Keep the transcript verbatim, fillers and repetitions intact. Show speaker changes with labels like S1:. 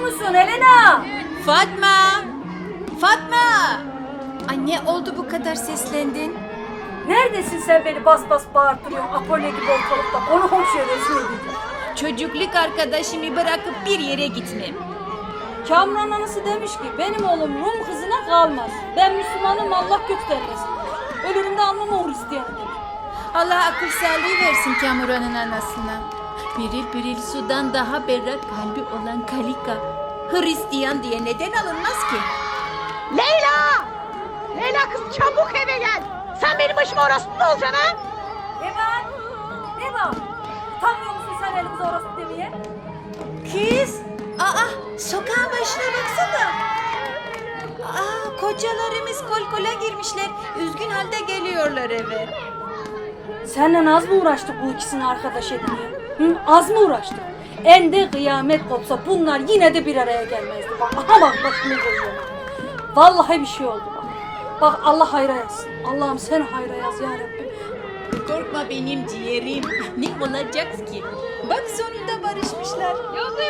S1: musun Helena?
S2: Fatma! Fatma! Anne oldu bu kadar seslendin?
S1: Neredesin sen, beni bas bas bağırtırıyorsun Apollo gibi ortalıkta, konu komşuya rezil edeceğim.
S2: Çocukluk arkadaşımı bırakıp bir yere gitmem.
S3: Kamran anası demiş ki benim oğlum Rum kızına kalmaz. Ben Müslümanım, Allah göstermesin. Ölürüm de almam o Hristiyanı demiş.
S2: Allah akıl sağlığı versin Kamuran'ın anasına. Biril biril sudan daha berrak kalbi olan Kalika. Hristiyan diye neden alınmaz ki?
S4: Leyla! Leyla kız çabuk eve gel. Sen benim başıma orospu mu olacaksın ha?
S1: Ne var? Ne var? Utanmıyor musun sen elimize orası demeye?
S2: Kız! Aa, sokağın başına baksana. Aa, kocalarımız kol kola girmişler. Üzgün halde geliyorlar eve.
S3: Seninle az mı uğraştık bu ikisini arkadaş etmeye? Hı? Az mı uğraştık? En de kıyamet kopsa bunlar yine de bir araya gelmezdi. Bak, aha bak başını görüyorum. Vallahi bir şey oldu bak. Bak Allah hayra yazsın. Allah'ım sen hayra yaz ya Rabbim.
S2: Korkma benim ciğerim. Ne olacak ki? Bak sonunda barışmışlar.
S4: Yazık